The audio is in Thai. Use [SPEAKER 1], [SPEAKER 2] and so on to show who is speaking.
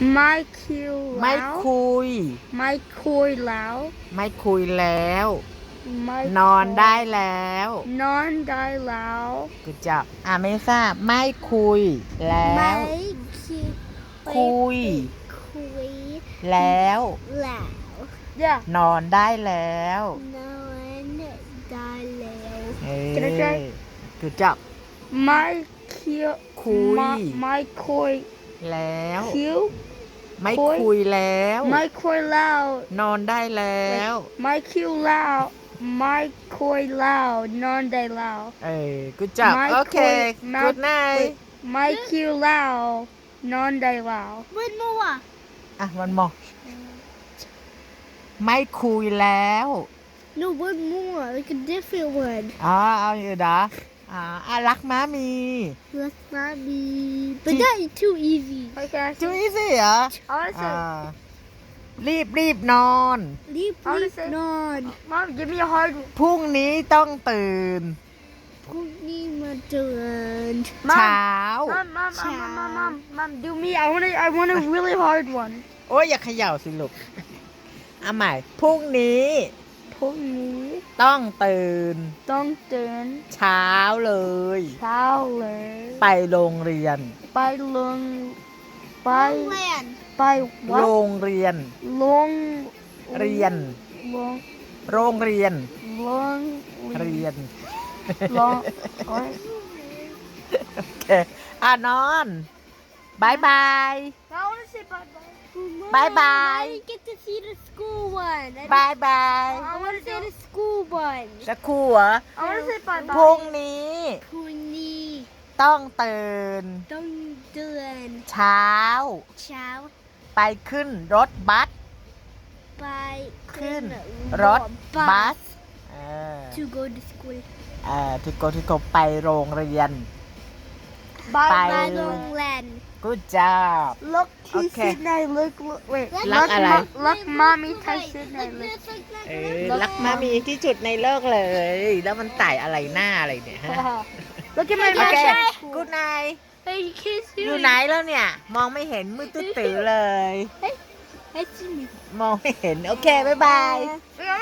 [SPEAKER 1] ไม่คิว
[SPEAKER 2] ไม่
[SPEAKER 1] แล้ว
[SPEAKER 2] คุย
[SPEAKER 1] ไม่คุยแล้ว
[SPEAKER 2] ไม่คุยแล้ว
[SPEAKER 1] ไม่
[SPEAKER 2] นอนได้แล้ว
[SPEAKER 1] นอนได้แล้ว
[SPEAKER 2] กูจับไม่ทราบไม่คุยแล้ว
[SPEAKER 3] คิว
[SPEAKER 2] คุย
[SPEAKER 3] คุย
[SPEAKER 2] แล้ว
[SPEAKER 3] แล้ว
[SPEAKER 1] yeah
[SPEAKER 2] นอนได้แล้ว
[SPEAKER 3] นอนได้แล้ว
[SPEAKER 1] Can I try?
[SPEAKER 2] กูจับ
[SPEAKER 1] ไม่คิว
[SPEAKER 2] คุย
[SPEAKER 1] ไม่คุย
[SPEAKER 2] แล้ว
[SPEAKER 1] คิว
[SPEAKER 2] ไม่คุยแล้ว
[SPEAKER 1] ไม่คุยแล้ว
[SPEAKER 2] นอนได้แล้ว
[SPEAKER 1] ไม่คิวแล้วไม่คุยแล้วนอนได้แล้ว
[SPEAKER 2] กูจับ
[SPEAKER 1] ไม่
[SPEAKER 2] โอเค
[SPEAKER 1] คุย
[SPEAKER 2] กูดไน
[SPEAKER 1] ไม่คิวแล้วนอนได้แล้ว
[SPEAKER 3] วันมัว
[SPEAKER 2] วันมอไม่คุยแล้ว
[SPEAKER 3] no one more like a different one
[SPEAKER 2] เอาอยู่นะรักม้ามี
[SPEAKER 3] let's not be but that is too easy
[SPEAKER 1] Okay
[SPEAKER 2] จูอีสิเหรอ
[SPEAKER 1] I want to say
[SPEAKER 2] รีบนอน
[SPEAKER 3] รีบ
[SPEAKER 1] เอาเลยสิ
[SPEAKER 3] นอน
[SPEAKER 1] Mom give me a hard
[SPEAKER 2] พรุ่งนี้ต้องตื่น
[SPEAKER 3] พรุ่งนี้มาเตือน
[SPEAKER 2] เช้า
[SPEAKER 1] Mom do me I want a really hard one
[SPEAKER 2] โอ้ยอย่าเขย่าสิลูกเอาใหม่พรุ่งนี้
[SPEAKER 1] พรุ่งนี้
[SPEAKER 2] ต้องตื่น
[SPEAKER 1] ต้องตื่น
[SPEAKER 2] เช้าเลย
[SPEAKER 1] เช้าเลย
[SPEAKER 2] ไปโรงเรียน
[SPEAKER 1] ไปลงไป
[SPEAKER 3] แวน
[SPEAKER 1] ไปวัด
[SPEAKER 2] โรงเรียน
[SPEAKER 1] ลง
[SPEAKER 2] เรียน
[SPEAKER 1] ลง
[SPEAKER 2] โรงเรียน
[SPEAKER 1] ลง
[SPEAKER 2] เรียน
[SPEAKER 1] ลงโอ้ย
[SPEAKER 2] โอเคนอนบายบาย
[SPEAKER 1] I want to say bye bye
[SPEAKER 2] Bye bye.
[SPEAKER 3] I didn't get to see the school one
[SPEAKER 2] บายบาย
[SPEAKER 3] I want to say the school one
[SPEAKER 2] จะครูเหรอ
[SPEAKER 1] I want to say bye
[SPEAKER 2] พรุ่ง
[SPEAKER 1] bye
[SPEAKER 2] นี้
[SPEAKER 3] พรุ่งนี้
[SPEAKER 2] ต้องตื่น
[SPEAKER 3] ต้องเตือน
[SPEAKER 2] เช้า
[SPEAKER 3] เช้า
[SPEAKER 2] ไปขึ้นรถบัส
[SPEAKER 3] ไป
[SPEAKER 2] ขึ้นรถบัส
[SPEAKER 3] to go to school
[SPEAKER 2] ที่เขาไปโรงเรียน
[SPEAKER 1] bye
[SPEAKER 2] ไป
[SPEAKER 3] ไปโรงเรียน
[SPEAKER 2] Good job
[SPEAKER 1] look he
[SPEAKER 2] Okay.
[SPEAKER 1] Sydney look wait
[SPEAKER 2] รักอะไร
[SPEAKER 1] look mommy touch Sydney look
[SPEAKER 2] รักมามีที่จุดในโลกเลย แล้วมันไต่อะไรหน้าอะไรเนี่ยฮะ
[SPEAKER 1] look at my
[SPEAKER 2] โอเค
[SPEAKER 1] match
[SPEAKER 2] Good night
[SPEAKER 3] Hey you can't see
[SPEAKER 2] อยู่
[SPEAKER 3] me
[SPEAKER 2] ไหนแล้วเนี่ย มองไม่เห็นมืดตื้อๆเลย
[SPEAKER 3] Hey see me
[SPEAKER 2] มองไม่เห็น โอเค บ๊ายบาย
[SPEAKER 1] Wait,